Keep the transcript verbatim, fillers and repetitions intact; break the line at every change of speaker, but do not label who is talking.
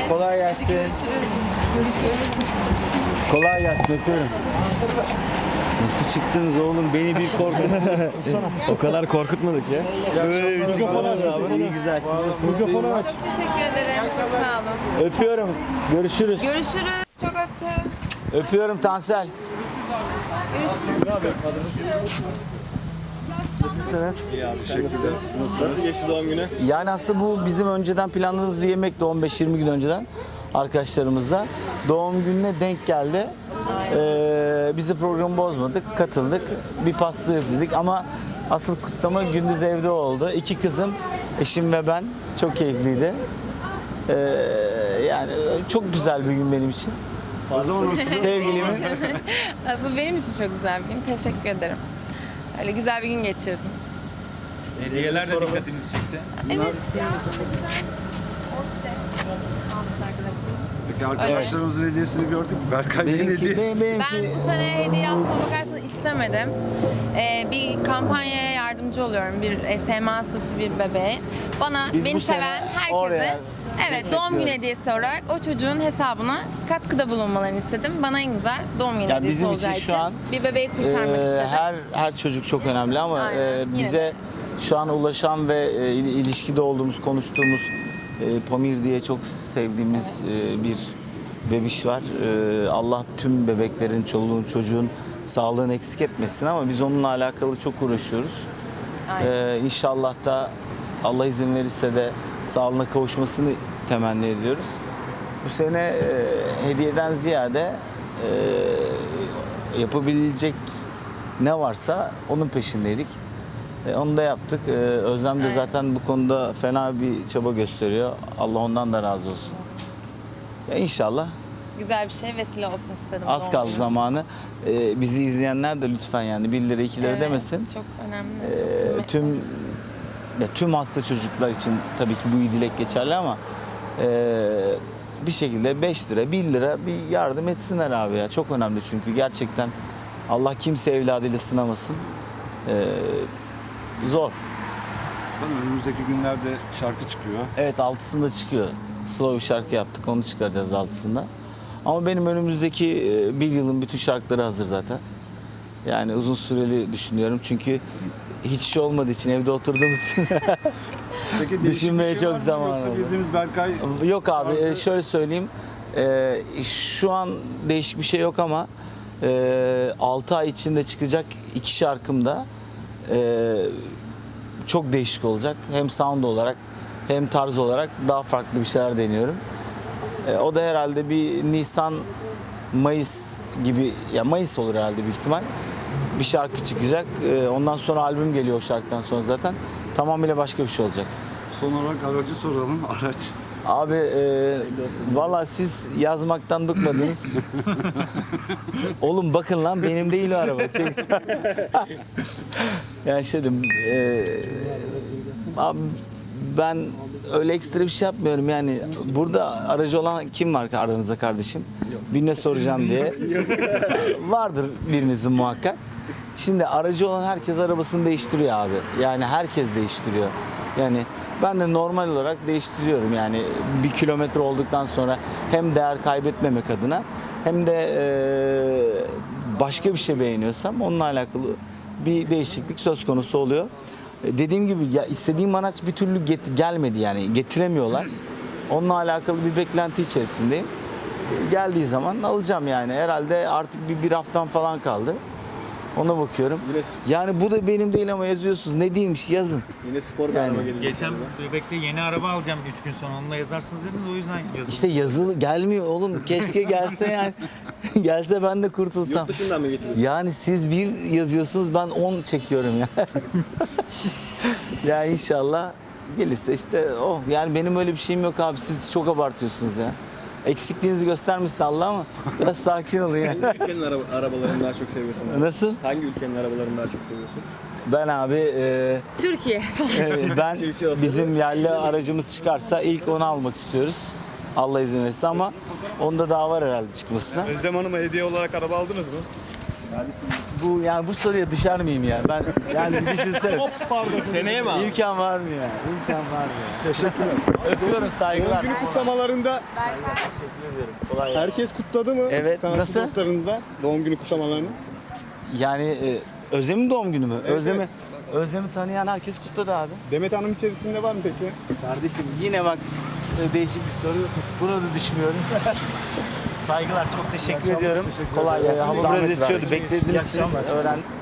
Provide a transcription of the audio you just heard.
Kolay gelsin. Kolay gelsin, öpüyorum. Nasıl çıktınız oğlum? Beni bir korkutun.
O kadar korkutmadık ya.
Böyle bir çıkmadınız abi. İyi güzel. Siz nasılsınız?
Mikrofonu aç.
Çok teşekkür ederim. Çok sağ olun.
Öpüyorum. Görüşürüz.
Görüşürüz. Çok öptüm.
Öpüyorum Tansel. Nasılsınız?
İyi abi, teşekkürler. Nasıl geçti doğum günü?
Yani aslında bu bizim önceden planladığımız bir yemekti on beş yirmi gün önceden arkadaşlarımızla. Doğum gününe denk geldi. Ee, bizi programı bozmadık, katıldık. Bir pasta yaptık ama asıl kutlama gündüz evde oldu. İki kızım, eşim ve ben. Çok keyifliydi. Ee, yani çok güzel bir gün benim için.
O zaman
Sevgilimin.
Asıl benim için çok güzel bir gün. Teşekkür ederim. Öyle güzel bir gün geçirdim.
Hediyeler de dikkatinizi çekti.
Evet ya. Almış arkadaşlarım.
Peki arkadaşlarımızın hediyesini gördük. Berkay Bey'in
Benimki,
hediyesi.
benim, benimki.
Ben bu sene hediye aslına bakarsanız istemedim. Ee, bir kampanyaya yardımcı oluyorum. Bir S M A hastası bir bebeğe. Bana,
Biz
beni
bu sene
seven herkese
oraya
evet doğum günü
destekliyoruz.
hediyesi olarak o çocuğun hesabına katkıda bulunmalarını istedim. Bana en güzel doğum günü
Ya
hediyesi
bizim için
olacağı
şu
için
an,
bir bebeği kurtarmak
Ee,
istedim.
her her çocuk çok önemli ama
Aynen,
e,
yine
bize
de.
şu an ulaşan ve e, il- ilişkide olduğumuz, konuştuğumuz e, Pamir diye çok sevdiğimiz e, bir bebiş var. E, Allah tüm bebeklerin, çoluğun, çocuğun sağlığını eksik etmesin ama biz onunla alakalı çok uğraşıyoruz.
Aynen.
E, İnşallah da Allah izin verirse de sağlığına kavuşmasını temenni ediyoruz. Bu sene e, hediyeden ziyade e, yapabilecek ne varsa onun peşindeydik. E, onu da yaptık. E, Özlem de
Aynen.
zaten bu konuda fena bir çaba gösteriyor. Allah ondan da razı olsun. Ya inşallah
Güzel bir şey vesile olsun istedim.
az
doğum
kaldı
günü.
zamanı. E, bizi izleyenler de lütfen yani bir lira iki lira
Evet,
demesin.
Çok önemli.
E,
çok kıymetli.
tüm ya tüm hasta çocuklar için tabii ki bu iyi dilek geçerli ama e, bir şekilde beş lira, bir lira bir yardım etsinler abi ya. Çok önemli çünkü gerçekten Allah kimse evladıyla sınamasın. E, zor.
Bakalım önümüzdeki günlerde şarkı çıkıyor.
Evet altısında çıkıyor. Slow bir şarkı yaptık. Onu çıkaracağız altısında. Ama benim önümüzdeki e, bir yılın bütün şarkıları hazır zaten. Yani uzun süreli düşünüyorum çünkü hiç şey olmadığı için evde oturduğumuz için
Peki değişik
Düşünmeye
bir şey
çok
var mı?
zaman
Yoksa
oldu.
bildiğimiz Berkay
Yok abi
tarzı-
e, şöyle söyleyeyim. E, şu an değişik bir şey yok ama e, altı ay içinde çıkacak iki şarkım da e, çok değişik olacak. Hem sound olarak hem tarz olarak daha farklı bir şeyler deniyorum. E, o da herhalde bir Nisan Mayıs gibi, ya Mayıs olur herhalde büyük ihtimal. Bir şarkı çıkacak. E, ondan sonra albüm geliyor o şarkıdan sonra zaten. Tamamıyla başka bir şey olacak.
Son olarak aracı soralım. Araç.
Abi e, valla siz yazmaktan bıkmadınız. Oğlum bakın lan benim değil o araba. Çek. yani şöyle e, abi ben öyle ekstra bir şey yapmıyorum yani. Burada aracı olan kim var aranızda kardeşim? Birine soracağım diye. Vardır birinizin muhakkak. Şimdi aracı olan herkes arabasını değiştiriyor abi. Yani herkes değiştiriyor. Yani ben de normal olarak değiştiriyorum yani bir kilometre olduktan sonra hem değer kaybetmemek adına hem de e, başka bir şey beğeniyorsam onunla alakalı bir değişiklik söz konusu oluyor. E, dediğim gibi ya istediğim araç bir türlü get- gelmedi yani getiremiyorlar. Onunla alakalı bir beklenti içerisindeyim. Geldiği zaman alacağım yani herhalde artık bir, bir haftam falan kaldı. Ona bakıyorum. Yani bu da benim değil ama yazıyorsunuz. Ne diyeymiş yazın.
Yine spor bir
Yani.
araba gelecek.
Geçen bebekte yeni araba alacağım üç gün sonra onunla yazarsınız dediniz o yüzden yazıldı.
İşte yazılı gelmiyor oğlum. Keşke gelse yani. Gelse ben de kurtulsam.
Yurt dışından mı getiriyorsun?
Yani siz bir yazıyorsunuz ben on çekiyorum ya. ya inşallah gelirse işte oh. Yani benim öyle bir şeyim yok abi. Siz çok abartıyorsunuz ya. Eksikliğinizi göstermesin Allah ama biraz sakin olun ya.
Hangi ülkenin araba, arabalarını daha çok seviyorsun? Abi?
Nasıl?
Hangi ülkenin arabalarını daha çok seviyorsun?
Ben abi e,
Türkiye.
e, ben
Türkiye olsa
bizim yerli aracımız çıkarsa ilk onu almak istiyoruz. Allah izin verirse ama onda daha var herhalde çıkmasına.
Özlem Hanım'a hediye olarak araba aldınız mı?
Bu yani bu soruya düşer miyim ya? Ben yani bir düşünsene.
Seneye mi abi?
İmkan var mı ya? İmkan var mı ya?
Teşekkürler.
Öpüyorum,
Doğum
saygılar.
günü kutlamalarında
Teşekkür ederim. Kolay gelsin.
herkes kutladı mı?
Evet,
Sanatçı
nasıl?
dostlarınızla doğum günü kutlamalarını.
Yani e, Özlem'in doğum günü mü? Özlem'i Özlem'i tanıyan herkes kutladı abi.
Demet Hanım içerisinde var mı peki?
Kardeşim yine bak e, değişik bir soru. Buna da düşmüyorum. Saygılar, çok teşekkür ediyorum. Kolay gelsin. Hava biraz esiyordu. Beklediniz siz. Öğren